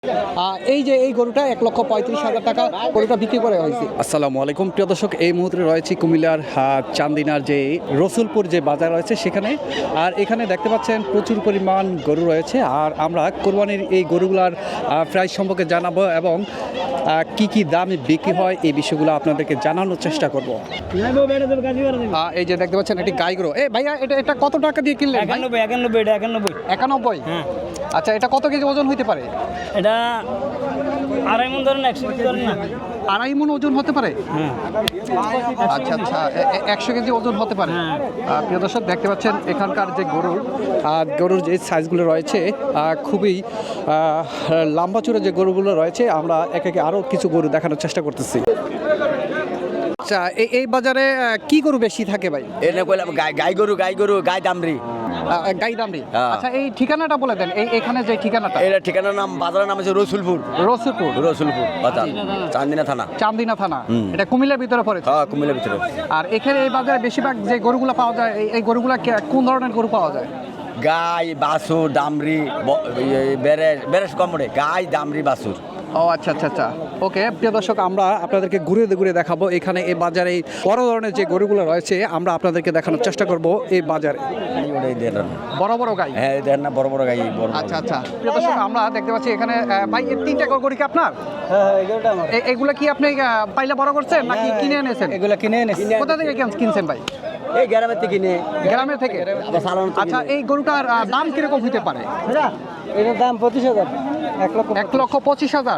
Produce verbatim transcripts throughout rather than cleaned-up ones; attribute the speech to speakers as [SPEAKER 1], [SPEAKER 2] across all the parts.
[SPEAKER 1] এই যে এই গরুটা এক লক্ষ পঁয়ত্রিশ হাজার টাকা গরুটা বিক্রি করা হয়েছে। আসসালামু আলাইকুম প্রিয় দর্শক, এই মুহূর্তে রয়েছে কুমিল্লার চান্দিনার যে রসুলপুর যে বাজার রয়েছে সেখানে। আর এখানে দেখতে পাচ্ছেন প্রচুর পরিমাণ গরু রয়েছে। আর আমরা কোরবানির এই গরুগুলার প্রাইস সম্পর্কে জানাবো এবং কি কি দামে বিক্রি হয় এই বিষয়গুলো আপনাদেরকে জানানোর চেষ্টা করব। এই যে দেখতে পাচ্ছেন এটি গাই গরু। এ ভাইয়া এটা এটা কত টাকা দিয়ে কিনলেন?
[SPEAKER 2] একানব্বই একানব্বই এটা একানব্বই
[SPEAKER 1] একানব্বই
[SPEAKER 2] হ্যাঁ।
[SPEAKER 1] আচ্ছা, এটা কত কেজি ওজন হইতে পারে?
[SPEAKER 2] এটা আড়াই মন ধরেন, একশো কেজি ধরেন না,
[SPEAKER 1] আড়াই মন ওজন হতে পারে।
[SPEAKER 2] হ্যাঁ
[SPEAKER 1] আচ্ছা আচ্ছা, একশো কেজি ওজন হতে পারে। আহ, প্রিয় দর্শক দেখতে পাচ্ছেন এখানকার যে গরুর আহ, গরুর যে সাইজগুলো রয়েছে আহ, খুবই আহ, লম্বা চূড়া যে গরুগুলো রয়েছে। আমরা এক একে আরও কিছু গরু দেখানোর চেষ্টা করতেছি। আচ্ছা, এই এই বাজারে আহ, কি গরু বেশি থাকে ভাই?
[SPEAKER 3] এনে কইলাম গাই গাই গরু গাই গরু গাই দামরি
[SPEAKER 1] আহ, গাই দামড়ি।
[SPEAKER 3] হ্যাঁ।
[SPEAKER 1] আচ্ছা, এই ঠিকানাটা বলে দেন, এই এখানে যে ঠিকানাটা।
[SPEAKER 3] এটা ঠিকানার নাম, বাজারের নাম হচ্ছে রসুলপুর।
[SPEAKER 1] রসুলপুর
[SPEAKER 3] রসুলপুর বাজার, চান্দিনা থানা।
[SPEAKER 1] চান্দিনা থানা,
[SPEAKER 3] হুম।
[SPEAKER 1] এটা কুমিল্লার ভিতরে পড়েছে।
[SPEAKER 3] হ্যাঁ, কুমিল্লার ভিতরে।
[SPEAKER 1] আর এখানে এই বাজারে বেশিরভাগ যে গরুগুলো পাওয়া যায়, এই- এই গরুগুলা কে- কোন ধরনের গরু পাওয়া যায়?
[SPEAKER 3] গাই বাছুর দামরি বেরেস বেরেস কমরে গাই দামরি বাছুর।
[SPEAKER 1] ও আচ্ছা আচ্ছা আচ্ছা, ওকে। প্রিয় দর্শক, আমরা আপনাদেরকে ঘুরে ঘুরে দেখাবো এখানে এই বাজারে বড় ধরনের যে গরুগুলো রয়েছে। আমরা আপনাদেরকে দেখানোর চেষ্টা করব এই বাজারে
[SPEAKER 3] ওটাই দেন না।
[SPEAKER 1] বড় বড় গাই।
[SPEAKER 3] হ্যাঁ, দেন না, বড় বড় গাই বড় বড়।
[SPEAKER 1] আচ্ছা আচ্ছা, প্রিয় দর্শক, আমরা দেখতে পাচ্ছি এখানে আহ, ভাই এই তিনটা গরু কি আপনার?
[SPEAKER 2] হ্যাঁ এগুলোটা আমার।
[SPEAKER 1] এ- এগুলা কি আপনি আহ, পাইলে বড় করছেন নাকি কিনে এনেছেন?
[SPEAKER 2] এগুলো কিনে এনেছি।
[SPEAKER 1] কোথা থেকে কেন- কিনছেন ভাই?
[SPEAKER 3] এই গ্রামের থেকে কিনে
[SPEAKER 1] গ্রামের থেকে।
[SPEAKER 3] আবার সালান থেকে
[SPEAKER 1] আচ্ছা, এই গরুটার আহ, দাম কিরকম হতে পারে?
[SPEAKER 2] এটার দাম পঁচিশ হাজার, এক লক্ষ
[SPEAKER 1] এক লক্ষ পঁচিশ হাজার।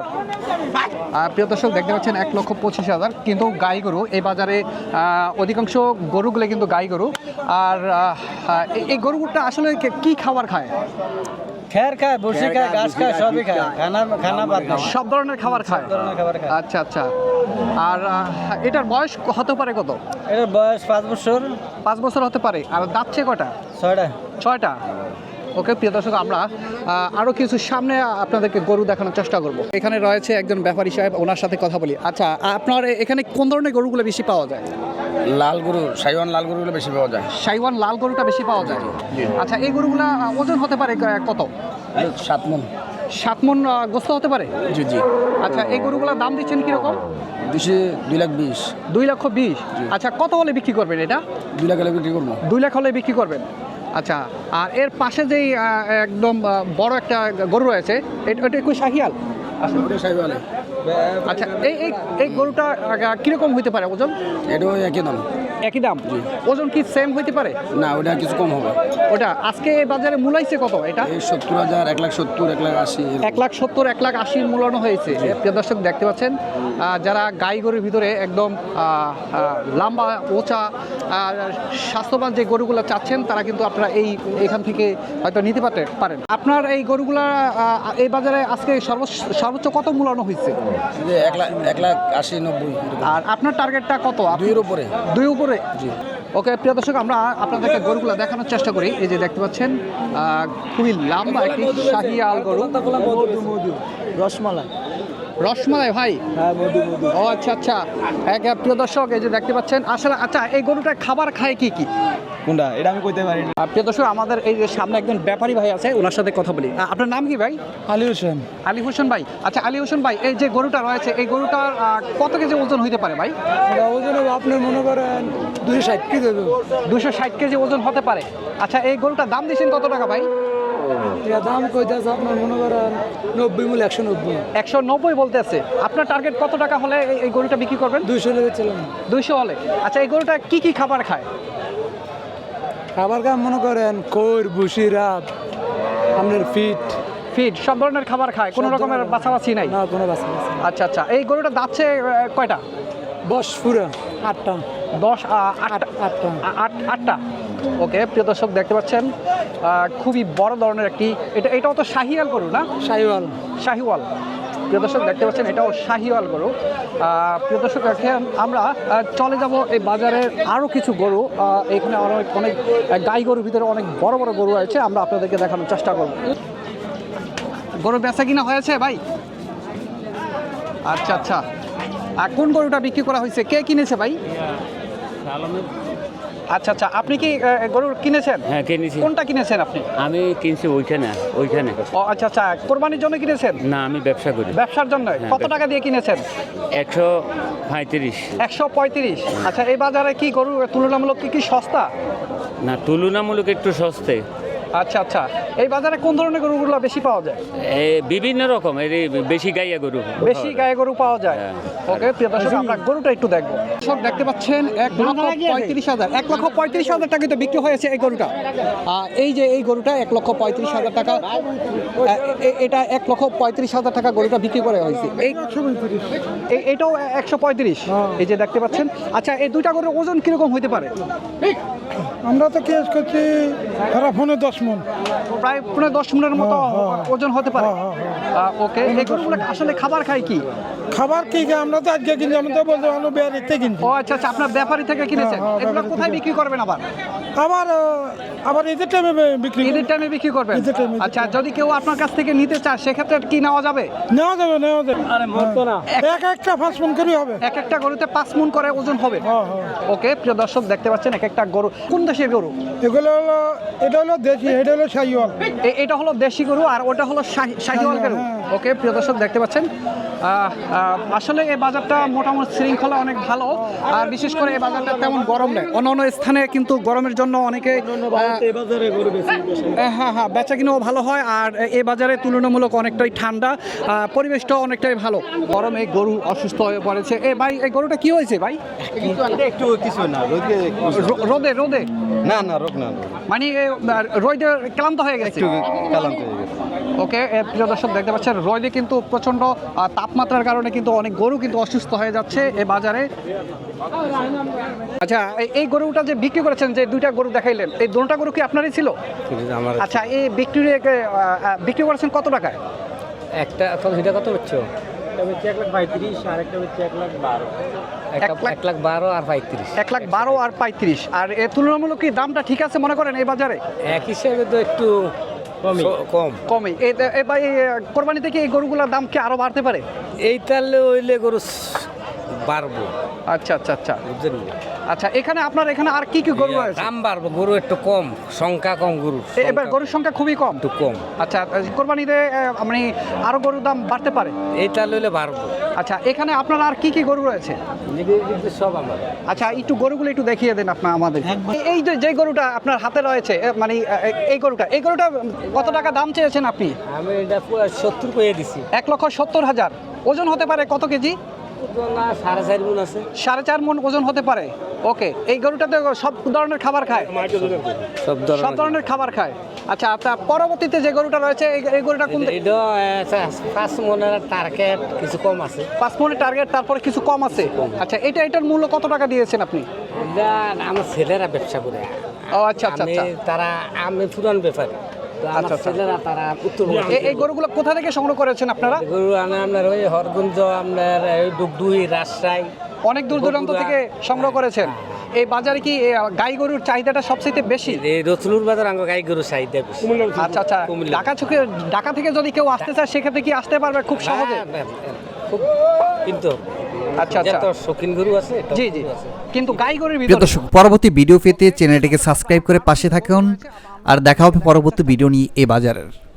[SPEAKER 1] আহ, প্রিয় দর্শক দেখতে পাচ্ছেন এক লক্ষ পঁচিশ হাজার, কিন্তু গাই গরু এই বাজারে আহ, অধিকাংশ গরুগুলো কিন্তু গাই গরু। আর আহ, আহ, এই- এই গরুটা আসলে কে- কি খাবার খায়?
[SPEAKER 2] খের খায়, বসি খায়, ঘাস খায়, সবই খায়, খানা খানা বাদ নাই।
[SPEAKER 1] সব ধরনের খাবার খায়।
[SPEAKER 2] ধরনের খাবার খায়।
[SPEAKER 1] আচ্ছা আচ্ছা। আর আহ, এটার বয়স হতে পারে কত?
[SPEAKER 2] এটার বয়স পাঁচ বছর,
[SPEAKER 1] পাঁচ বছর হতে পারে। আর দাঁতছে কটা?
[SPEAKER 2] ছয়টা।
[SPEAKER 1] ছয়টা। ওকে প্রিয় দর্শক, আমরা আহ, আরো কিছু সামনে আপনাদেরকে গরু দেখানোর চেষ্টা করব। এখানে রয়েছে একজন ব্যাপারী সাহেব, ওনার সাথে কথা বলি। আচ্ছা, আপনার এ- এখানে কোন ধরনের গরুগুলো বেশি পাওয়া যায়?
[SPEAKER 3] লাল গরু, সাইওয়ান লাল গরুগুলো বেশি পাওয়া যায়।
[SPEAKER 1] সাইওয়ান লাল গরুটা বেশি পাওয়া যায়। আচ্ছা, এই গরুগুলা আহ, ওজন হতে পারে ক- কত?
[SPEAKER 3] সাত মন।
[SPEAKER 1] সাত মন আহ, গোস্ত হতে পারে।
[SPEAKER 3] জি জি।
[SPEAKER 1] আচ্ছা, এই গরুগুলার দাম দিচ্ছেন কিরকম?
[SPEAKER 3] দুশো দুই লাখ বিশ।
[SPEAKER 1] দুই লক্ষ বিশ। আচ্ছা, কত হলে বিক্রি করবেন এটা?
[SPEAKER 3] দুই লাখ হলে বিক্রি করবো।
[SPEAKER 1] দুই লাখ হলে বিক্রি করবেন। আচ্ছা, আর এর পাশে যেই আহ, একদম আহ, বড় একটা গরু রয়েছে, এটা এটা কি শাহিয়াল?
[SPEAKER 3] সাইওয়ালে
[SPEAKER 1] আচ্ছা, এই এই এই গরুটা আহ, কিরকম হইতে পারে ওজন?
[SPEAKER 3] এটাও একই দাম।
[SPEAKER 1] একই দাম। ওজন কি সেম হইতে পারে?
[SPEAKER 3] না, ওটা কিছু কম হবে।
[SPEAKER 1] ওটা আজকে এই বাজারে মূলাইছে কত এটা?
[SPEAKER 3] এই সত্তর হাজার, এক লাখ সত্তর, এক লাখ আশি।
[SPEAKER 1] এক লাখ সত্তর, এক লাখ আশির মূল্যায়ন হয়েছে। প্রিয় দর্শক দেখতে পাচ্ছেন, আহ, যারা গাই গরুর ভিতরে একদম আহ, আহ, লম্বা ওচা আর স্বাস্থ্যবান যে গরুগুলো চাচ্ছেন, তারা কিন্তু আপনারা এই এখান থেকে হয়তো নিতে পারতে পারেন। আপনার এই গরুগুলা আহ, এই বাজারে আজকে সর্বোচ্চ সর্বোচ্চ কত মূল্যায়ন হয়েছে?
[SPEAKER 3] যে এক লাখ এক লাখ আশি নব্বই এরকম।
[SPEAKER 1] আর আপনার টার্গেটটা কত? আপনি-
[SPEAKER 3] দুইয়ের উপরে।
[SPEAKER 1] দুই উপরে।
[SPEAKER 3] জি।
[SPEAKER 1] ওকে প্রিয় দর্শক, আমরা আপনাদেরকে গরুগুলো দেখানোর চেষ্টা করি। এই যে দেখতে পাচ্ছেন আহ, খুবই লম্বা একটি শাহিয়াল গরু।
[SPEAKER 2] রসমালাই।
[SPEAKER 1] রসমালাই ভাই?
[SPEAKER 2] হ্যাঁ, মধু মধু।
[SPEAKER 1] ও আচ্ছা আচ্ছা। এক এক প্রিয় দর্শক, এই যে দেখতে পাচ্ছেন আসলে। আচ্ছা, এই গরুটা খাবার খায় কি কি?
[SPEAKER 2] কোনটা? এটা আমি কইতে পারি না।
[SPEAKER 1] আহ, প্রিয় দর্শক, আমাদের এই যে সামনে একজন ব্যাপারী ভাই আছে, ওনার সাথে কথা বলি। আহ, আপনার নাম কি ভাই?
[SPEAKER 2] আলী হোসেন।
[SPEAKER 1] আলী হোসেন ভাই। আচ্ছা, আলী হোসেন ভাই, এই যে গরুটা রয়েছে, এই গরুটার আহ, কত কেজি ওজন হইতে পারে ভাই?
[SPEAKER 2] এটা ওজন আপনি মনে করেন দুশো ষাট কেজি দেবে।
[SPEAKER 1] দুশো ষাট কেজি ওজন হতে পারে। আচ্ছা, এই গরুটার দাম দিয়েছেন কত টাকা ভাই?
[SPEAKER 2] এটা দাম কইতেছে আপনার মনে করেন নব্বই মূল একশো নব্বই।
[SPEAKER 1] একশো নব্বই বলতে আছে। আপনার টার্গেট কত টাকা হলে এই- এই গরুটা বিক্রি করবেন?
[SPEAKER 2] দুইশো লেগেছিলাম।
[SPEAKER 1] দুইশো হলে। আচ্ছা, এই গরুটা কি কি খাবার খায়?
[SPEAKER 2] খাবার কাম মনে করেন কোর ভুসি রাত আপনার ফিট।
[SPEAKER 1] ফিড সব ধরনের খাবার খায়, কোনো
[SPEAKER 2] সব
[SPEAKER 1] রকমের
[SPEAKER 2] ধরনের।
[SPEAKER 1] বাছাবাছি নাই?
[SPEAKER 2] না কোনো বাসা বাসা।
[SPEAKER 1] আচ্ছা আচ্ছা, এই গরুটা দাচ্ছে আহ, কয়টা?
[SPEAKER 2] বস পুরা আটটা।
[SPEAKER 1] দশ আহ, আটটা
[SPEAKER 2] আটটা।
[SPEAKER 1] আ- আট আটটা। ওকে প্রিয় দর্শক দেখতে পাচ্ছেন আহ, খুবই বড় ধরনের একটি, এটা এটাও তো শাহিয়াল গরু না?
[SPEAKER 2] শাহিওয়াল।
[SPEAKER 1] শাহিওয়াল। প্রিয় দর্শক দেখতে পাচ্ছেন এটাও শাহিওয়াল গরু। আহ, প্রিয় দর্শক, এখন আমরা আহ, চলে যাব এই বাজারের আরও কিছু গরু। আহ, এখানে অনেক অনেক আহ, গাই গরুর ভিতরে অনেক বড় বড় গরু আছে, আমরা আপনাদেরকে দেখানোর চেষ্টা করব। গরু বেচা কিনা হয়েছে ভাই? আচ্ছা আচ্ছা। আর কোন গরুটা বিক্রি করা হয়েছে? কে কিনেছে ভাই? আচ্ছা আচ্ছা, আপনি কি আহ, গরু কিনেছেন?
[SPEAKER 4] হ্যাঁ কিনেছি।
[SPEAKER 1] কোনটা কিনেছেন আপনি?
[SPEAKER 4] আমি কিনছি ওইখানে ওইখানে
[SPEAKER 1] ও আচ্ছা আচ্ছা, কোরবানির জন্য কিনেছেন?
[SPEAKER 4] না আমি ব্যবসা করি।
[SPEAKER 1] ব্যবসার জন্য?
[SPEAKER 4] হ্যাঁ,
[SPEAKER 1] কত
[SPEAKER 4] ব্যবসা।
[SPEAKER 1] টাকা দিয়ে কিনেছেন?
[SPEAKER 4] একশো পঁয়ত্রিশ।
[SPEAKER 1] একশো পঁয়ত্রিশ। আচ্ছা, এই বাজারে কি গরু তুলনামূলক কি কি সস্তা?
[SPEAKER 4] না তুলনামূলক একটু সস্তে।
[SPEAKER 1] আচ্ছা আচ্ছা, এই বাজারে কোন ধরনের গরুগুলো বেশি পাওয়া যায়?
[SPEAKER 4] এ, বিভিন্ন রকম এর বেশি গাইয়া গরু
[SPEAKER 1] বেশি গায়ে গরু পাওয়া যায়।
[SPEAKER 4] হ্যাঁ।
[SPEAKER 1] ওকে প্রিয় দর্শক, আমরা গরুটা একটু দেখবো। সব দেখতে পাচ্ছেন এক লক্ষ পঁয়ত্রিশ হাজার এক লক্ষ পঁয়ত্রিশ হাজার টাকা তো বিক্রি হয়েছে এই গরুটা। আহ, এই যে এই গরুটা এক লক্ষ পঁয়ত্রিশ হাজার টাকা, আহ, এ- এটা এক লক্ষ পঁয়ত্রিশ হাজার টাকা গরুটা বিক্রি করা হয়েছে। এই এ- এটাও একশো পঁয়ত্রিশ, এই যে দেখতে পাচ্ছেন। আচ্ছা, এই দুইটা গরুর ওজন কিরকম হতে পারে?
[SPEAKER 2] আমরা তো কেস করছি সারা ফোনে দশ মন।
[SPEAKER 1] প্রায় পনেরো দশ মিনিটের মতো ওজন হতে পারে।
[SPEAKER 2] হ্যাঁ,
[SPEAKER 1] আহ, ওকে, এই গরুগুলো আসলে খাবার খায় কি?
[SPEAKER 2] খাবার কি খাই? আমরা তো আজকে কিনছি, আমরা তো বলতে ভালো বেয়ারিতে কিনছি।
[SPEAKER 1] ও আচ্ছা আচ্ছা, আপনার ব্যাপারী থেকে কিনেছেন।
[SPEAKER 2] হ্যাঁ, হ্যাঁ,
[SPEAKER 1] এগুলো
[SPEAKER 2] ব্যাপারী
[SPEAKER 1] কোথায়
[SPEAKER 2] থেকে।
[SPEAKER 1] বিক্রি করবেন আবার?
[SPEAKER 2] আবার আহ, আবার ঈদের টাইমে বিক্রি করি।
[SPEAKER 1] ঈদের টাইমে বিক্রি করবেন?
[SPEAKER 2] ঈদের time এ, ঈদের
[SPEAKER 1] আচ্ছা, যদি কেউ আপনার কাছ থেকে নিতে চায় সেক্ষেত্রে কি নেওয়া যাবে?
[SPEAKER 2] নেওয়া যাবে নেওয়া যাবে। এক একটা পাঁচ মন করে হবে।
[SPEAKER 1] এক একটা গরুতে পাঁচ মণ করে ওজন হবে।
[SPEAKER 2] হ্যাঁ, হ্যাঁ।
[SPEAKER 1] ওকে প্রিয় দর্শক, দেখতে পাচ্ছেন এক একটা গরু। কোন দেশের গরু?
[SPEAKER 2] এগুলো হলো, এটা হলো দেশি, এটা হলো শাহিওয়াল।
[SPEAKER 1] এ- এটা হলো দেশি গরু আর ওটা হলো শাহি- শাহিওয়াল গরু।
[SPEAKER 2] হ্যাঁ।
[SPEAKER 1] ওকে প্রিয় দর্শক, দেখতে পাচ্ছেন আহ, আহ, আসলে এই বাজারটা মোটামুটি শৃঙ্খলা অনেক ভালো, আর বিশেষ করে এই বাজারটা তেমন গরম নেই। অন্য অন্য স্থানে কিন্তু গরমের জন্য অনেকে আহ, হ্যাঁ হ্যাঁ, বেচা কিনাও ভালো হয়, আর এই বাজারে তুলনামূলক অনেকটাই ঠান্ডা, আহ, পরিবেশটাও অনেকটাই ভালো। গরমে গরু অসুস্থ হয়ে পড়েছে। এ ভাই, এই গরুটা কি হয়েছে ভাই?
[SPEAKER 5] একটু কিছু না রোদে
[SPEAKER 1] রো- রোদে রোদে
[SPEAKER 5] না না রোগ না
[SPEAKER 1] মানে এ, আহ, রোদে ক্লান্ত হয়ে গেছে।
[SPEAKER 5] একটু কালান্ত হয়ে গেছে।
[SPEAKER 1] ওকে এ, প্রিয় দর্শক, দেখতে পাচ্ছেন রোদে কিন্তু প্রচণ্ড আহ, তাপমাত্রার কারণে কিন্তু অনেক গরু কিন্তু অসুস্থ হয়ে যাচ্ছে এই বাজারে। আচ্ছা, এই- এই গরুটা যে বিক্রি করেছেন, যে দুইটা গরু দেখাইলেন, এই দুটা গরু কি আপনারই ছিল?
[SPEAKER 5] আমার
[SPEAKER 1] আচ্ছা, এই বিক্রি বিক্রি করেছেন কত টাকায়?
[SPEAKER 6] একটা এখন এটা কত হচ্ছে?
[SPEAKER 5] একটা হচ্ছে এক লাখ পঁয়ত্রিশ আর একটা হচ্ছে এক লাখ বারো।
[SPEAKER 6] একটা
[SPEAKER 1] এক লাখ-
[SPEAKER 6] এক লাখ বারো আর পঁয়ত্রিশ।
[SPEAKER 1] এক লাখ বারো আর পঁয়ত্রিশ। আর এ তুলনামূলক কি দামটা ঠিক আছে মনে করেন এই বাজারে?
[SPEAKER 6] এক হিসেবে তো একটু
[SPEAKER 5] কমই।
[SPEAKER 6] স- কম।
[SPEAKER 1] কমই। এই এই ভাই, এই কোরবানিতে কি এই গরুগুলোর দাম কি আরো বাড়তে পারে?
[SPEAKER 6] এই তাহলে হইলে গরু স- বাড়বো,
[SPEAKER 1] আচ্ছা আচ্ছা আচ্ছা
[SPEAKER 6] বুঝলেন?
[SPEAKER 1] আচ্ছা, এখানে আপনার এখানে আর কি কি গরু রয়েছে?
[SPEAKER 6] দাম বাড়বো, গরু একটু কম, সংখ্যা কম গরু।
[SPEAKER 1] এ- এবার
[SPEAKER 6] সংখ্যা
[SPEAKER 1] গরুর সংখ্যা খুবই কম।
[SPEAKER 6] একটু কম।
[SPEAKER 1] আচ্ছা, কোরবানিতে আহ, মানে আরো গরুর দাম বাড়তে পারে।
[SPEAKER 6] এই তাহলে হইলে বাড়বো।
[SPEAKER 1] আচ্ছা, এখানে আপনার আর কি কি গরু রয়েছে?
[SPEAKER 6] কিন্তু সব আমার।
[SPEAKER 1] আচ্ছা, একটু গরুগুলো একটু দেখিয়ে দেন আপনার আমাদের। এই- এই যে যে গরুটা আপনার হাতে রয়েছে, এ, মানে আহ, এই গরুটা এই গরুটা কত টাকা দাম চেয়েছেন আপনি?
[SPEAKER 6] আমি এটা পুরো সত্তর করে দিছি।
[SPEAKER 1] এক লক্ষ সত্তর হাজার। ওজন হতে পারে কত কেজি?
[SPEAKER 6] না সাড়ে চার গুণ আছে।
[SPEAKER 1] সাড়ে চার মণ ওজন হতে পারে। ওকে, এই গরুটাতে সব ধরনের খাবার খায়?
[SPEAKER 6] সব
[SPEAKER 1] সব
[SPEAKER 6] ধরনের।
[SPEAKER 1] ধরনের খাবার খায়। আচ্ছা, আপনার পরবর্তীতে যে গরুটা রয়েছে, এই এই গরুটা কোন?
[SPEAKER 6] এটা আহ, পাঁচ মনের টার্গেট কিছু কম আছে।
[SPEAKER 1] পাঁচ মণের টার্গেট, তারপরে কিছু কম আছে। আচ্ছা, এটা এটার মূল্য কত টাকা দিয়েছেন আপনি?
[SPEAKER 6] এটা আমার ছেলেরা ব্যবসা করে।
[SPEAKER 1] ও আচ্ছা আচ্ছা
[SPEAKER 6] আমি
[SPEAKER 1] আচ্ছা।
[SPEAKER 6] তারা আমি পুরান ব্যাপারী, তো আমার
[SPEAKER 1] আচ্ছা, আচ্ছা।
[SPEAKER 6] ছেলেরা তারা উত্তর
[SPEAKER 1] এ- এই গরুগুলো কোথা থেকে সংগ্রহ করেছেন আপনারা?
[SPEAKER 6] গরু আনে আপনার ওই হরগুঞ্জ, আপনার এই ডুগডুই, রাজশাহী।
[SPEAKER 1] অনেক দূর দূরান্ত থেকে সংগ্রহ করেছেন। এই বাজারে কি এ, গাই গরুর চাহিদাটা সবচেয়ে বেশি?
[SPEAKER 6] এই রসুলুর বাজার আঙ্গ গাই গরু চাহিদা বেশি।
[SPEAKER 1] আচ্ছা আচ্ছা,
[SPEAKER 6] কুমিল্লা।
[SPEAKER 1] ঢাকা থেকে ঢাকা থেকে যদি কেউ আসতে চায় সেক্ষেত্রে কি আসতে পারবে খুব সহজে?
[SPEAKER 6] হ্যাঁ, হ্যাঁ, হ্যাঁ, খুব কিন্তু
[SPEAKER 1] আচ্ছা আচ্ছা,
[SPEAKER 6] যত শৌখিন গরু আছে টক
[SPEAKER 1] জি
[SPEAKER 6] গরু
[SPEAKER 1] জি,
[SPEAKER 6] আছে।
[SPEAKER 1] কিন্তু গাই গরুর
[SPEAKER 7] প্রিয়
[SPEAKER 1] ভিতরে।
[SPEAKER 7] দর্শক, পরবর্তী ভিডিও পেতে চ্যানেলটিকে সাবস্ক্রাইব করে পাশে থাকুন, আর দেখা হবে পরবর্তী ভিডিও নিয়ে এ বাজারের।